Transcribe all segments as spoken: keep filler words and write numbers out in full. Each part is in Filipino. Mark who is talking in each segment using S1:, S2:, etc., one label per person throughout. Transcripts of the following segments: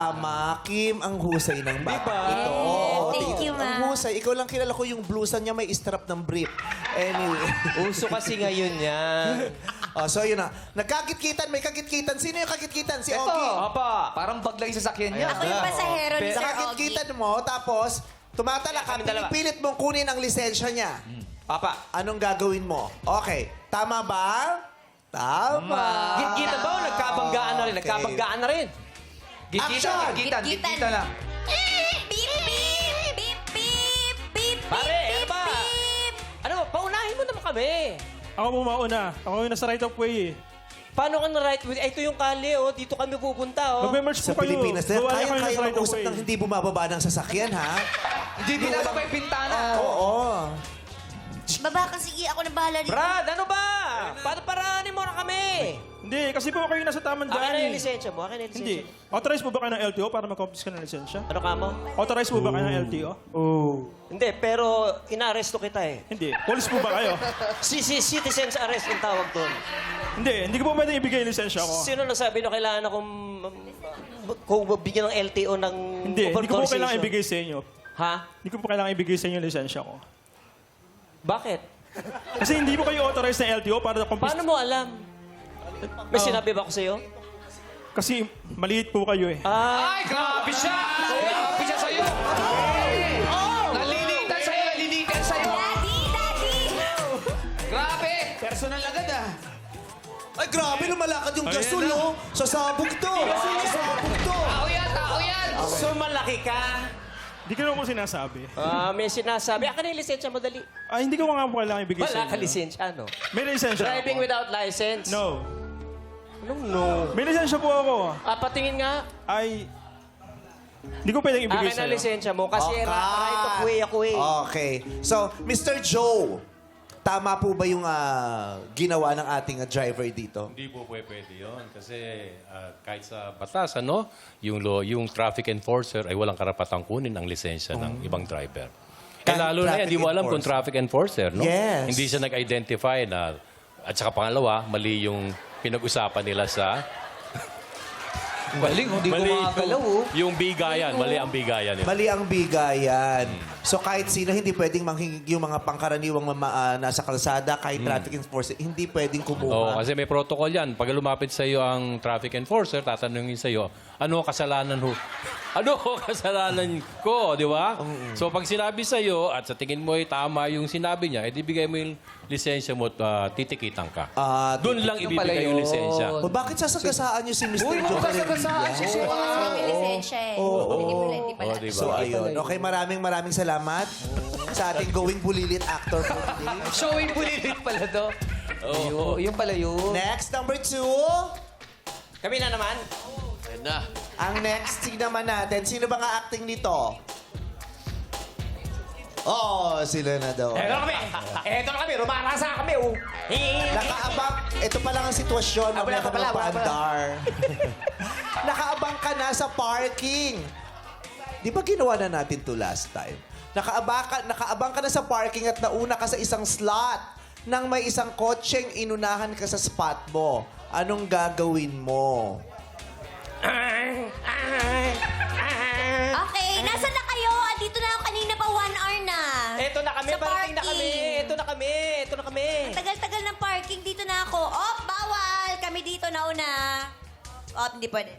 S1: Tama, Kim, ang husay ng bata.
S2: Diba?
S1: Ito.
S3: Yes, thank you,
S1: Ang
S3: Ma.
S1: husay. Ikaw lang kilala ko yung blusa niya may strap ng brief. Anyway.
S2: Uso kasi ngayon yan.
S1: oh, so yun na. Nagkakit-kitan, may kakit-kitan. Sino yung kakit-kitan? Si
S2: Ito,
S1: Ogie.
S2: apa.
S4: Parang bag lang yung sasakyan niya.
S3: Ako yung pasahero ni Sir Ogie.
S1: Kakit-kitan mo, tapos tumatala ka,
S2: Kami dalawa.
S1: pinipilit mong kunin ang lisensya niya.
S2: Papa.
S1: Anong gagawin mo? Okay. Tama ba? Tama.
S2: Git-gita ba o nagkabanggaan na rin?
S1: Okay.
S2: Nagkabanggaan na rin.
S1: Action!
S4: Gigitan,
S3: Gigitan.
S4: gigitan lang.
S3: Beep, beep, beep, beep, beep,
S2: Pare, ano
S3: beep,
S2: ba?
S3: beep.
S2: Ano, paunahin mo naman kami.
S5: Ako po mauna. Ako yung nasa right of way eh.
S2: Paano ka na right with... Ito yung kali, oh. Dito kami pupunta, oh.
S5: Magme-merge
S1: Sa
S5: po kayo.
S1: Pilipinas, na,
S5: Gawa niyo kayo
S1: kaya-kaya
S5: nasa right of
S1: mag-usap
S5: way.
S1: ng hindi bumababa ng sasakyan, ha?
S4: Hindi binababa yung bintana.
S1: Oo.
S3: Baba ka, sige. Ako na bahala dito.
S2: Brad, ano ba? Paano paraanin mo na kami?
S5: Hindi, kasi po ako yung nasa tamang
S2: Akin
S5: daan
S2: na yung
S5: eh.
S2: lisensya mo. Akin na yung
S5: Hindi.
S2: lisensya mo.
S5: Authorized po ba kayo ng L T O para mag-confisc ka ng lisensya?
S2: Ano ka mo?
S5: Authorized po ba kayo ng L T O? Oh.
S2: Hindi, pero inaresto kita eh.
S5: Hindi. Police po ba kayo?
S2: Si, si citizen's arrest yung tawag doon.
S5: Hindi. Hindi ko po pwedeng ibigay yung lisensya ko.
S2: Sino nagsabi na kailangan akong um, kung bigyan ng L T O ng
S5: Hindi. Hindi ko po
S2: authorization?
S5: kailangan ibigay sa inyo.
S2: Ha?
S5: Hindi ko po kailangan ibigay sa inyo yung lisensya ko.
S2: Bakit?
S5: Kasi hindi po kayo authorized ng L T O para confisc...
S2: Paano mo alam? May
S5: Oh.
S2: sinabi ba ako sa'yo?
S5: Kasi maliit po kayo eh.
S2: Ah,
S4: Ay, grabe siya! Grabe siya sa'yo! Nalilitan sa'yo, nalilitan sa'yo!
S3: Daddy, daddy.
S4: Grabe! Personal agad ah.
S1: Ay, grabe, lumalakad yung
S5: Ayan
S1: gasol,
S5: na.
S1: oh. Sasabog to. Sasabog to.
S4: Tao yan, tao yan!
S2: so malaki ka.
S5: Hindi ko naman po sinasabi.
S2: Ah, may sinasabi. Akin na yung lisensya mo, dali.
S5: Ah, hindi ko nga po kailangan ibigay sa
S2: Wala
S5: inyo.
S2: ka lisensya, no?
S5: May lisensya
S2: Driving
S5: ako.
S2: without license?
S5: No.
S2: Anong no?
S5: May lisensya po ako.
S2: Ah, patingin nga.
S5: Ay... Hindi ko pwedeng ibigay
S2: Akin
S5: sa
S2: na lisensya mo kasi
S1: Okay.
S2: ra- right of way ako eh.
S1: Okay. So, Mister Joe, tama po ba yung ah, ginawa ng ating ah, driver dito?
S6: Hindi po pwede pwede yun. Kasi ah, kahit sa batas, ano, yung, law, yung traffic enforcer ay walang karapatang kunin ang lisensya ng ibang driver. Eh,
S1: Kahit
S6: lalo na yan,
S1: traffic
S6: hindi mo alam kung
S1: enforcer.
S6: traffic enforcer, no?
S1: Yes.
S6: Hindi siya nag-identify na... At saka pangalawa, mali yung pinag-usapan nila sa...
S4: Galing, hindi ko makagalaw oh.
S6: Yung bigayan, mali ang bigayan nila.
S1: Mali ang bigayan. So kahit sino, hindi pwedeng manghingig yung mga pangkaraniwang mama, ah, nasa kalsada, kahit traffic enforcer, hindi pwedeng
S6: Oo,
S1: kumuha.
S6: kasi may protocol yan. Pag lumapit sa iyo ang traffic enforcer, tatanungin sa iyo, ano ang kasalanan ho? Ano ang kasalanan ko, di ba? So pag sinabi sa iyo at sa tingin mo ay tama yung sinabi niya, edi bigay mo yung lisensya mo at ah, titikitan ka.
S1: Ah,
S6: Doon lang
S4: Yung pala
S6: ibibigay yung
S4: yun.
S6: lisensya.
S1: O bakit sasagasaan niyo si Mister
S4: Uy,
S1: Joe?
S4: magkasagasaan si Sir.
S3: Wala kami lisensya eh. Hindi pala, hindi pala.
S6: Oh, di
S1: So
S6: ba?
S1: ayun. Okay, maraming maraming salamat sa ating going bulilit actor for today.
S4: Showing bulilit pala to. Oh. Yung pala yun.
S1: Next, number two.
S2: Kami na naman.
S1: Ang next scene naman natin, sino ba nga acting nito? Oo, oh, sila na daw.
S2: Eto na kami. Eto na kami. Rumarasa kami, oh.
S1: Nakaabang, ito pa lang ang sitwasyon ng
S2: Ah, wala
S1: mga
S2: pa pala, wala pa.
S1: paandar. Nakaabang ka na sa parking. Di ba ginawa na natin to last time? Nakaabang ka, nakaabang ka na sa parking at nauna ka sa isang slot nang may isang kotseng inunahan ka sa spot mo. Anong gagawin mo?
S3: Okay, nasa na kayo? Andito na ako kanina pa, one hour na.
S2: Eto na kami.
S3: Sa
S2: Parating na kami.
S3: parking.
S2: Eto na kami. Eto na kami.
S3: Tagal-tagal ng parking, dito na ako. Oh, bawal! Kami dito na una. Oh, hindi pwede.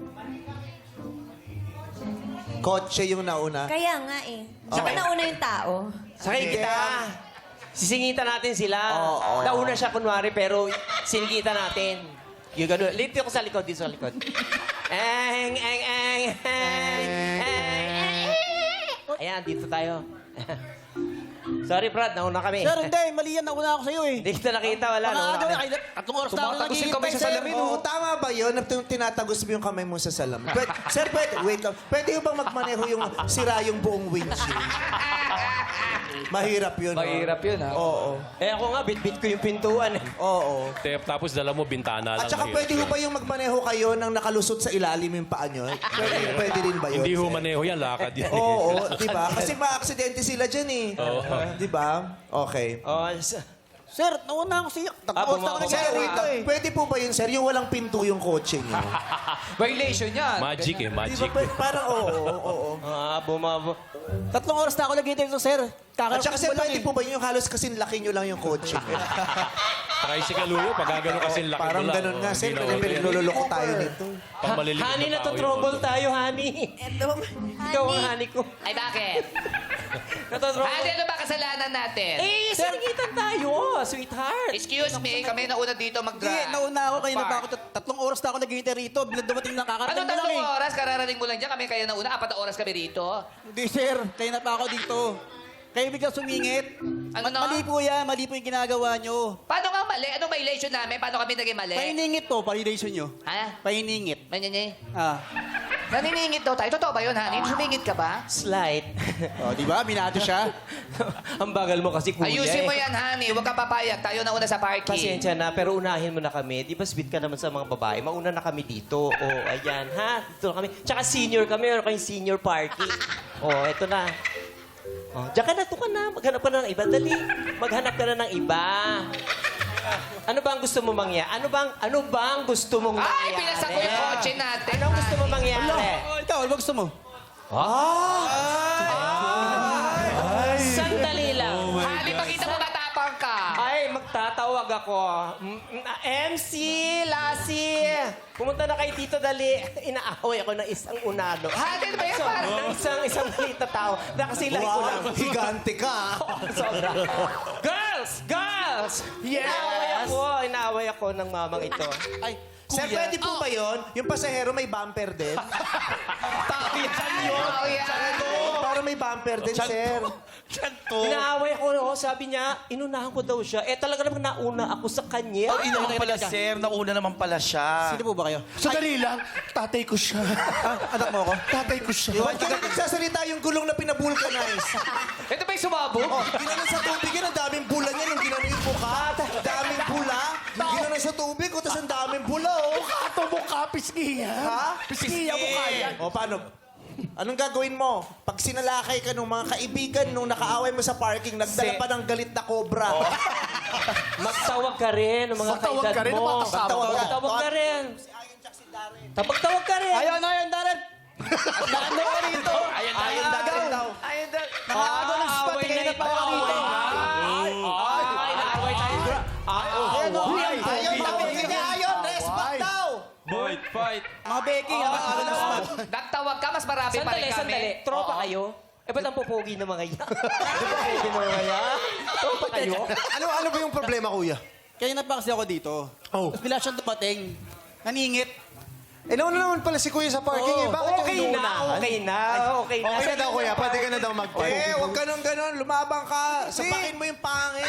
S1: Kotse yung nauna.
S3: Kaya nga eh. Saka nauna yung tao.
S2: Sakay kita. Sisingitan natin sila.
S1: Oo, oo.
S2: Nauna siya kunwari, pero singitan natin. Yung gano'n. Lito ko sa likod, dito sa likod. Eng, eng, eng, eng, eng. Ayan, dito tayo. Sorry, Brad. Nauna kami.
S7: Sir, hindi. Mali yan. Nauna ako sa'yo eh.
S2: Hindi kita nakita. Wala.
S7: Mga
S2: Nauna
S7: ano,
S2: kami.
S7: ay, tatlong oras na ako
S4: Tumatagos yung kamay
S7: naghihintay,
S4: sa
S7: sir.
S4: salamin,
S1: Oo, tama ba yun? Na tin- tinatagos mo yung kamay mo sa salamin. Pwede, sir, pwede, wait lang. Pwede yung bang magmaneho yung sira yung buong windshield? Mahirap yun. oh.
S4: Mahirap yun, ha?
S1: Oo.
S2: Eh ako nga, bit-bit ko yung pintuan. eh.
S1: Oo.
S6: Te- Tapos dala mo bintana lang.
S1: At saka
S6: mahirap
S1: pwede ho
S6: yun.
S1: ba yung magmaneho kayo nang nakalusot sa ilalim yung paa nyo? Pwede, pwede rin ba yun?
S6: Hindi ho
S1: sir?
S6: maneho yan, lakad yan.
S1: Oo, di ba? Kasi ma-aksidente sila dyan eh.
S6: Oo.
S1: Di ba? Okay.
S2: Oh, s-
S7: Sir, nauna ako sa'yo.
S2: Ah,
S7: Tatlong oras na ako
S2: bumaba.
S1: Sir,
S7: naghihintay
S1: wait,
S7: rito eh.
S1: pwede po ba yun, sir? Yung walang pinto yung kotse niyo.
S4: Violation yan.
S6: Magic eh,
S1: Di ba,
S6: magic.
S1: pwede- parang oo, oo, oo.
S2: Ah, bumaba.
S7: Tatlong oras na ako naghihintay rito, sir.
S1: At saka
S7: Kakarating
S1: sir,
S7: ko lang
S1: pwede
S7: eh.
S1: po ba yun yung halos kasing laki nyo lang yung kotse niyo?
S6: Tricycle ulo, pag gano'n kasi laki
S1: Parang
S6: mo lang.
S1: ganun
S6: oh,
S1: nga, sir.
S6: hindi na
S1: Pero
S6: okay.
S1: pinaglululoko tayo nito.
S6: Pang maliliit
S2: Honey,
S6: na tao
S2: natotrouble
S6: yun.
S2: tayo, honey.
S3: Eto,
S2: Ikaw ang honey ko.
S8: Ay, bakit?
S2: Natotrouble.
S8: Ate, ano ba kasalanan natin?
S2: Eh, sinigitan tayo, sweetheart.
S8: Excuse me, kami nauna dito mag
S7: Hindi, nauna ako. Kaya na pa ako. tat- Tatlong oras na ako naghihintay rito. Bilang dumating na
S8: Ano
S7: kakarating ko lang
S8: tatlong
S7: eh.
S8: oras? Kararating mo lang dyan. Kami kaya nauna. Apat na oras kami rito.
S7: Hindi, sir. Kaya na pa ako dito. Kayo biglang sumingit.
S8: Ano?
S7: Ma- Mali po yan. Mali po yung ginagawa nyo.
S8: Paano nga mali? Anong violation namin? Paano kami naging mali?
S7: Pahiningit to. Pahination nyo.
S8: Ha?
S7: Pahiningit.
S8: Manyanyi?
S7: Ah.
S8: Naniningit daw tayo. Totoo ba yun, honey? Sumingit ka ba?
S2: Slight.
S7: O, di ba? Binato siya.
S2: Ang bagal mo kasi, kuya.
S8: Ayusin mo
S2: eh.
S8: yan, honey. Huwag ka papayag. Tayo na una sa parking.
S2: Pasensya na, pero unahin mo na kami. Di ba sweet ka naman sa mga babae? Mauna na kami dito. O, oh, ayan, ha? Dito na kami. Tsaka senior kami. Meron kayong senior party. O, oh, eto na. Oh, diyan ka na, to ka na. Maghanap ka na ng iba. Dali. Maghanap ka na ng iba. Ano ba ang gusto mo mangyari? Ano bang, ano bang gusto mong
S8: Ay,
S2: mangyari?
S8: pinasak ko yung kotse natin.
S2: Anong gusto mo mangyari?
S7: Oh, ikaw, ano ba gusto mo?
S2: Sandali lang.
S8: Honey, pakita mo matapang ka.
S2: Ay, magtatawag ako. M- m- M C, Lassie, pumunta na kay Tito Dali. Inaaway ako ng isang unado.
S8: Honey, ano ba yan?
S2: So,
S8: Parang-
S2: ng isang isang maliit na tao na kasilay ko lang.
S1: higante ka.
S2: Sobra. Girls! Girls! Yes! Inaaway ako. Inaaway ako ng mamang ito.
S7: Ay,
S1: Sir,
S7: kuya.
S1: pwede po ba yun? Yung pasahero may bumper din?
S8: Tao yan.
S1: Para may bumper din, sir.
S2: Inaaway ako. Oh, sabi niya, inunahan ko daw siya. Eh, talaga naman nauna ako sa kanya.
S9: Ay, naman pala, sir. Nauna naman pala siya.
S7: Sino po ba kayo?
S9: Sandali lang. Tatay ko siya.
S7: Ah, anak mo ako?
S9: Tatay ko siya.
S1: Huwag ka na nagsasalita yung gulong na pinabulkanize.
S8: Ito ba yung sumabog?
S1: Oh, ginanon sa tubig yan, ang daming bula niyan. Yung ginanon yung mukha, daming bula. Ginanon sa tubig, tapos ang daming bula, oh.
S9: Ato mo ka, pisngiya.
S1: Ha?
S9: Pisngiya mo kaya.
S1: O, paano? Anong gagawin mo? Pag sinalakay ka nung mga kaibigan nung nakaaway mo sa parking, nagdala
S2: Si-
S1: pa ng galit na cobra.
S2: Magtawag ka rin ng mga
S9: Magtawag
S2: kaedad
S9: ka rin ng
S2: mo.
S9: mga kasama
S1: Magtawag
S9: mo.
S1: ka.
S2: Magtawag ka rin. Magtawag ka rin.
S7: Ayun, ayun, Darren. Naano ko rito.
S9: Ayan,
S1: Ayun dahil daw.
S7: Ayun, Darren. Nakagawa ng spot.
S2: away
S7: Kaya
S2: na
S7: na pa ako rito.
S2: Ay, ay, naaway tayo. Ah, oh,
S7: Ayun, oh.
S1: Ayaw tawag ka niya, ayaw. Respect daw.
S6: Fight, fight.
S7: Mga Becky, nakagawa ng spot.
S8: Nagtawag ka, mas marami pa
S2: Sandali,
S8: rin kami.
S2: sandali. Tropa
S8: Oo.
S2: kayo? Eh, ba't ang pupugi ng mga yan? Pupugi ng mga yan? Tropa kayo?
S9: Ano, ano ba yung problema, kuya?
S7: Kaya na pa kasi ako dito.
S9: Oh.
S7: Tapos bila siyang dumating. Naningit.
S9: Eh, nauna naman pala si kuya sa parking eh. Bakit
S2: Okay
S9: yung
S2: na,
S9: inuunahan?
S2: okay na, okay na.
S9: Okay na daw, kuya. Pwede ka na daw mag-park.
S1: Eh, huwag ka nung ganun. Lumabang ka. Sapakin mo yung pangit.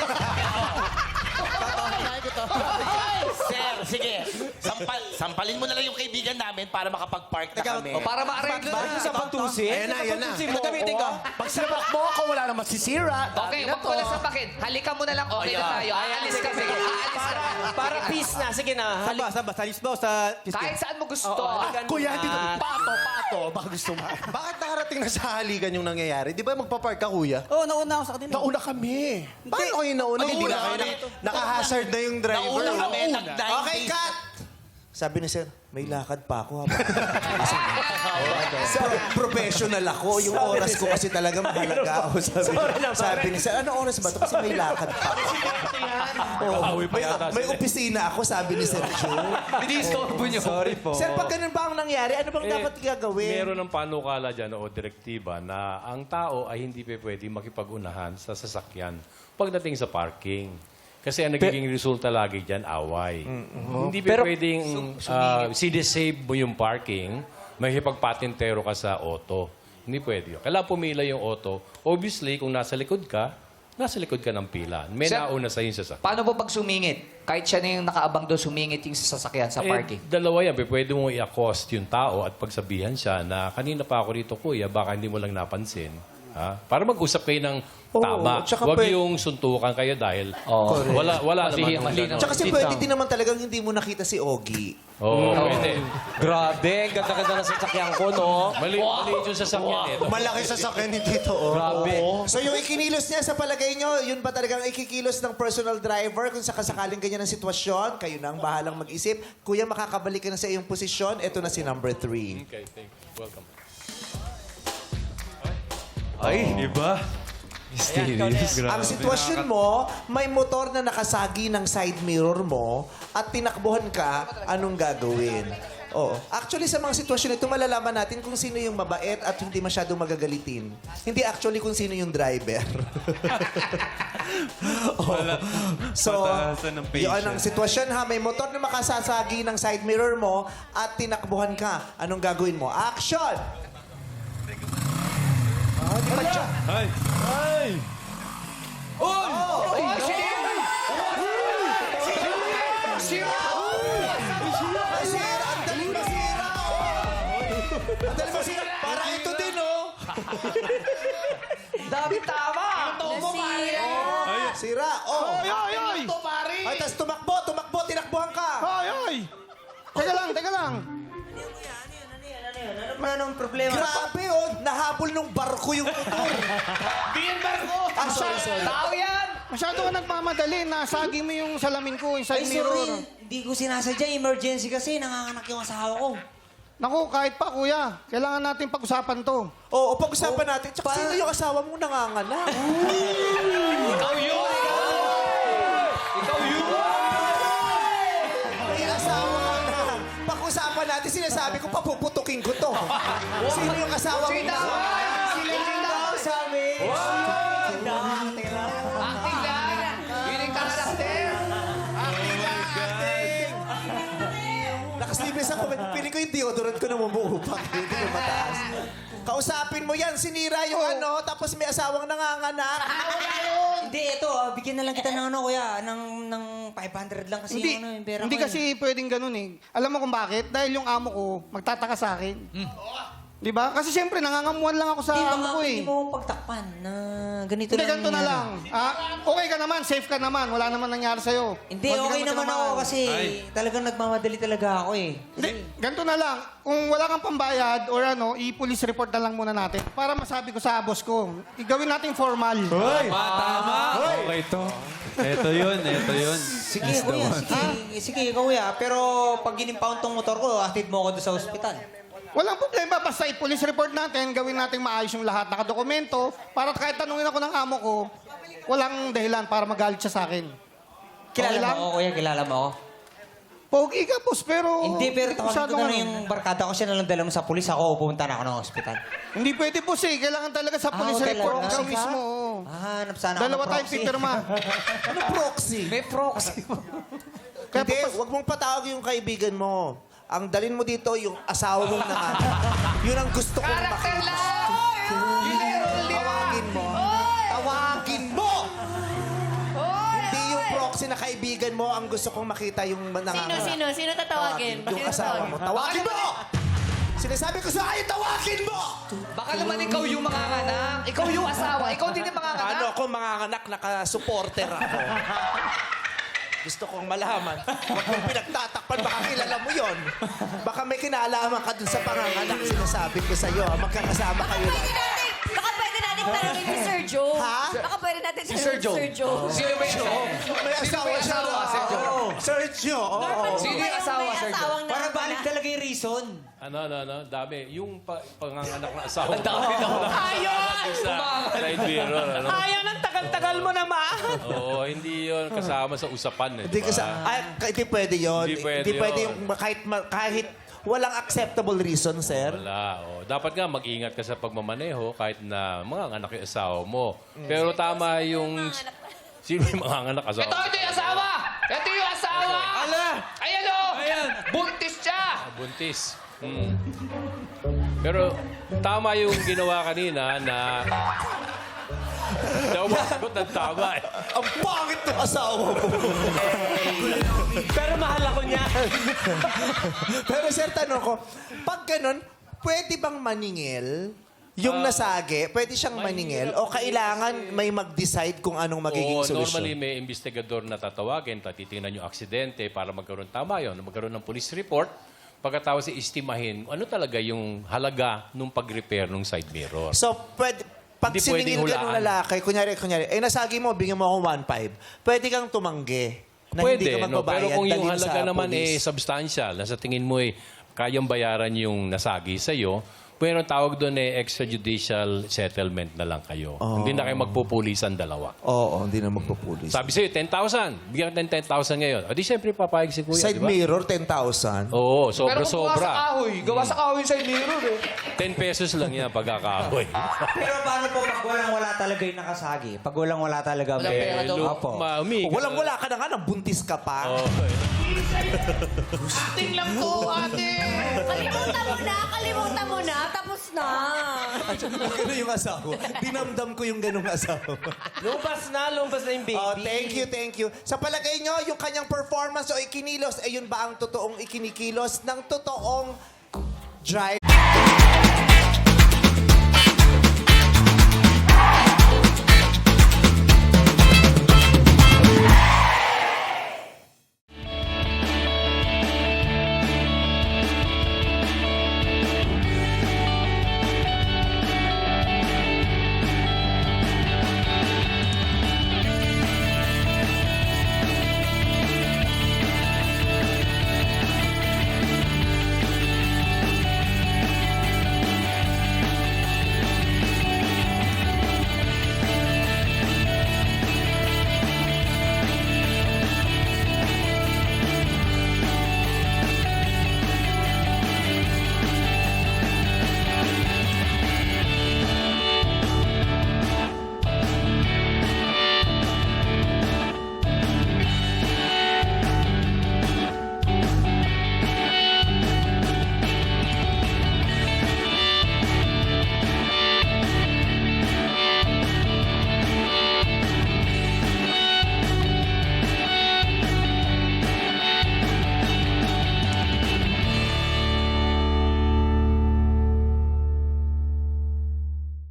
S10: Sir, sige. Sampal, sampalin mo na lang yung kaibigan namin para makapag-park na kami.
S8: O, para ma-arrange
S2: Bakit
S8: na.
S2: sa pantusin?
S9: Ayan na, ayan na.
S2: Ito gamitin ko.
S9: Pag sinapak mo ako, wala naman sisira.
S8: Okay, huwag ko na sapakin. Halika mo na lang. Okay na tayo. Aalis kami. Aalis
S2: Para,
S8: kami.
S2: para peace na. Sige na.
S7: Saan ba? Saan ba? Sa Lisbon o sa
S8: Kahit saan mo gusto.
S2: Oo, ganun
S9: Kuya,
S2: na.
S9: dito. Pato, pato. Baka gusto mo. Bakit nakarating na sa halikan yung nangyayari? Di ba magpa-park ka, kuya?
S7: Oo, oh, nauna ako sa kanila.
S9: Nauna kami. Paano kayo nauna? Hindi na kayo na, naka-hazard na yung driver.
S10: Nauna kami, nag-nine
S1: Okay, cut! Sabi ni sir, may lakad pa ako. habang- Pro- professional ako. Yung oras ko kasi talaga mahalaga. O, sabi,
S2: Sorry na,
S1: sabi ni sir, ano oras ba ito? Kasi may lakad pa. Oh, may, may opisina ako, sabi ni Sir Joe.
S4: Dinistorbo niyo.
S2: Sorry po.
S1: Sir, pag ganun ba ang nangyari, ano bang
S6: Eh,
S1: dapat gagawin?
S6: Meron ng panukala dyan o direktiba na ang tao ay hindi pa pwede makipag-unahan sa sasakyan pagdating sa parking. Kasi ang nagiging resulta lagi dyan, away. Hindi pa
S2: Pero-
S6: pwedeng uh, sinisave mo yung parking, mahipagpatintero ka sa auto. Hindi pwede yun. Kailangan pumila yung auto. Obviously, kung nasa likod ka, nasa likod ka ng pila. May
S8: Sir,
S6: nauna sa yung sasakyan.
S8: Paano po pag sumingit? Kahit siya na yung nakaabang doon, sumingit yung sasakyan sa parking.
S6: Eh, dalawa yan. Pwede mo i-accost yung tao at pagsabihan siya na kanina pa ako rito, kuya, baka hindi mo lang napansin. Ha? Para mag-usap kayo ng
S1: Oo,
S6: tama.
S1: tsaka
S6: Huwag
S1: pwede-
S6: yung suntukan kayo dahil
S4: Oo.
S6: wala, wala
S4: Mali-
S6: naman.
S4: mali naman.
S1: Tsaka kasi
S4: Sit
S1: pwede
S4: down.
S1: din naman talagang hindi mo nakita si Ogie.
S6: Oo, pwede.
S2: Grabe, ganda-ganda ng sasakyan ko, no?
S6: Mali, mali yung sasakyan eh.
S9: Malaki sa sakyan ni Tito. Oh.
S2: Grabe.
S1: So yung ikinilos niya sa palagay nyo, yun ba talagang ikikilos ng personal driver kung sakasakaling ganyan ang sitwasyon? Kayo na ang bahalang mag-isip. Kuya, makakabalik ka na sa iyong posisyon. Ito na si number three.
S6: Okay, thank you. Welcome.
S5: Ay, iba.
S1: Ang sitwasyon mo, may motor na nakasagi ng side mirror mo at tinakbuhan ka, anong gagawin? Oo. Actually, sa mga sitwasyon ito, malalaman natin kung sino yung mabait at hindi masyadong magagalitin. Hindi actually kung sino yung driver. Oo. So,
S5: Pataasan ng patience.
S1: yun ang sitwasyon ha. May motor na makasasagi ng side mirror mo at tinakbuhan ka. Anong gagawin mo? Action! Oh, di pa siya.
S5: Ay! Ay!
S1: Masira! Ang daling masira! Oh. Ang daling masira! Para ito din, oh!
S2: Dami tama!
S3: Nasira.
S1: Sira, oh!
S7: Ay, ay, ay!
S1: Ay, tas tumakbo, tumakbo, tinakbuhan ka!
S7: Ay, ay! Teka lang, teka lang.
S2: Ano naman problema?
S1: Grabe, oh! Nahabol nung barko yung motor.
S8: Biyan barko!
S1: Ah, sorry, sorry.
S8: Tao yan!
S7: Masyado ka nagmamadali. Nasagi mo yung salamin ko, yung side
S3: Ay,
S7: mirror.
S3: sorry. Hindi ko sinasadya. Emergency kasi. Nanganganak yung asawa ko.
S7: Naku, kahit pa, kuya. Kailangan natin pag-usapan to.
S1: Oo, pag-usapan natin. Tsaka sino yung asawa mong nanganganak?
S8: Ikaw yun!
S1: May asawa ka na. Pag-usapan natin, sinasabi ko, papuputukin ko to. Sino yung asawa mong nanganganak?
S3: Sila yung daw sabi.
S8: Acting lang! Yun yung karakter!
S1: Nakaslibles ako. Piling ko yung deodorant ko namumuupak. Hindi ko mataas. Kausapin mo yan. Sinira yung ano, tapos may asawang nanganganak.
S3: Hindi, ito. ah, bigyan na lang kita ng ano, kuya. Ng, ng five hundred lang kasi
S7: Hindi,
S3: yung, ano, yung pera
S7: hindi
S3: ko.
S7: kasi pwedeng ganun eh. Alam mo kung bakit? Dahil yung amo ko, magtataka sa akin. Di ba? Kasi siyempre, nangangamuhan lang ako sa
S3: Hindi,
S7: amo
S3: baka
S7: ko eh.
S3: hindi mo pagtakpan na ganito
S7: Hindi,
S3: lang.
S7: ganito na
S3: yan.
S7: lang. Ah, okay ka naman, safe ka naman. Wala naman nangyari sa'yo.
S3: Hindi,
S7: Huwag
S3: okay
S7: ka
S3: naman ako
S7: tinamaan.
S3: kasi talagang nagmamadali talaga ako eh.
S7: Hindi, ganito na lang. Kung wala kang pambayad or ano, i-police report na lang muna natin para masabi ko sa boss ko. Igawin natin formal.
S5: Hoy! Tama! Okay to. Ito yun, ito yun.
S3: Sige, kuya, sige. Sige, kuya. Pero pag ginimpound tong motor ko, atid mo ako doon sa ospital.
S7: Walang problema, basta i-police report natin, gawin natin maayos yung lahat, nakadokumento, para kahit tanungin ako ng amo ko, walang dahilan para magalit siya sa akin.
S3: Kilala
S7: Okay
S3: mo
S7: lang?
S3: ako, kuya? Kilala mo ako?
S7: Pogi ka, boss, pero...
S3: Hindi, pero tawagin
S7: masyadong
S3: ko na
S7: ano.
S3: yung barkada ko siya na lang dala mo sa pulis. Ako, pupunta na ako ng ospital.
S7: Hindi pwede, boss, eh. Kailangan talaga sa
S3: Ah,
S7: police
S3: talaga?
S7: report ikaw
S3: Proxy ka?
S7: mismo. oo.
S3: Ah, hanap sana ako
S7: Dalawa
S3: ng
S7: tayong
S3: proxy.
S7: pipirma.
S1: Ano proxy?
S3: May proxy.
S7: Kaya
S1: Hindi,
S7: papas-
S1: wag mong patawag yung kaibigan mo. Ang dalin mo dito, yung asawa mong nanganak. Yun ang gusto kong
S8: Karakter
S1: makita.
S8: lang!
S1: Tawagin mo. Tawagin mo! Hindi yung proxy na kaibigan mo ang gusto kong makita yung nanganganak.
S11: Sino, sino? Sino tatawagin?
S1: Yung asawa mo. Tawagin mo! Sinasabi ko sa akin, tawagin mo!
S8: Baka naman ikaw yung manganganak. Ikaw yung asawa. Ikaw din yung manganganak.
S1: Ano ako manganganak, naka-supporter ako. Gusto kong malaman. Huwag mong pinagtatakpan, baka kilala mo yon. Baka may kinalaman ka dun sa panganganak, sinasabi ko sa'yo. ah. Magkakasama kayo
S3: Pwede
S1: lang.
S3: natin, baka pwede natin tanongin si Sir Joe.
S1: Ha?
S3: Baka pwede natin tanongin si
S8: Sir Joe.
S3: Sir Joe.
S8: Sino ba yung
S1: May asawa
S8: may
S1: siya.
S8: asawa, Sir Joe?
S1: Oo. Sergio, oo.
S8: Sino yung asawa, Sir Joe?
S3: asawang
S2: Para balik talaga yung reason.
S6: Ano, ano, ano? Dami. Yung pa, panganganak na asawa. Ang
S8: dami daw.
S6: Ayaw! Sa side mirror, ano?
S2: Ayaw ng tagal-tagal mo naman.
S6: Oo, hindi yun kasama sa usapan eh.
S1: Hindi
S6: di ba?
S1: kasi, ay, hindi pwede yun.
S6: Hindi pwede
S1: yung
S6: yun.
S1: kahit, ma- kahit walang acceptable reason, sir.
S6: Wala. Oh. Dapat nga mag-ingat ka sa pagmamaneho kahit na mga anak yung asawa mo. Pero tama yung... Sino yung mga anak asawa?
S8: Ito, ito yung asawa! Ito yung asawa!
S6: Ala!
S8: Ayan o! Buntis siya!
S6: Buntis. Hmm. Pero tama yung ginawa kanina na... Daw masagot ng tama eh.
S1: Ang pangit ng asawa mo.
S2: Pero mahal ako niya.
S1: Pero sir, tanong ko, pag ganun, pwede bang maningil yung nasagi, pwede siyang maningil o kailangan may mag-decide kung anong magiging
S6: Oo,
S1: solusyon?
S6: normally may investigador na tatawagin, tatitingnan yung aksidente para magkaroon tama yun, magkaroon ng police report. Pagkatapos i-estimahin ano talaga yung halaga nung pag-repair ng side mirror.
S1: So, pwede, pag
S6: Hindi pwedeng
S1: siningil ka ng
S6: hulaan.
S1: lalaki, kunyari, kunyari, eh nasagi mo, bigyan mo ako one five, pwede kang tumanggi na hindi
S6: Pwede,
S1: ka
S6: no?
S1: magbabayad.
S6: Pero kung yung
S1: dalhin
S6: halaga
S1: sa
S6: naman eh
S1: police.
S6: substantial, na sa tingin mo eh kayang bayaran yung nasagi sa'yo, pero tawag doon eh extrajudicial settlement na lang kayo. Hindi na kayo magpupulisan dalawa.
S1: Oo, hindi na magpupulis.
S6: Sabi sa'yo, ten thousand. Bigyan ka ng ten thousand ngayon. O di siyempre papayag si kuya,
S1: Side
S6: di ba?
S1: mirror, ten thousand.
S6: Oo,
S8: Pero kung gawa sa
S6: sobra-sobra.
S8: kahoy, gawa sa kahoy sa mirror eh.
S6: ten pesos lang yan pagkakahoy.
S11: Pero paano po pag walang-wala talaga yung nakasagi? Pag walang-wala talaga.
S8: Walang pera
S6: Eh,
S8: daw.
S6: lu-
S11: Opo.
S6: ma- umi-
S1: Walang-wala ka na nga, nang buntis ka pa.
S6: Oo, eh.
S8: Acting lang to, ate.
S3: Kalimutan mo na, kalimutan mo na, tapos na.
S1: Ganun yung asawa. Dinamdam ko yung ganung asawa.
S2: Lumabas na, lumabas na yung baby.
S1: Oh, thank you, thank you. Sa palagay nyo, yung kanyang performance o ikinilos, ayun ba ang totoong ikinikilos ng totoong driver?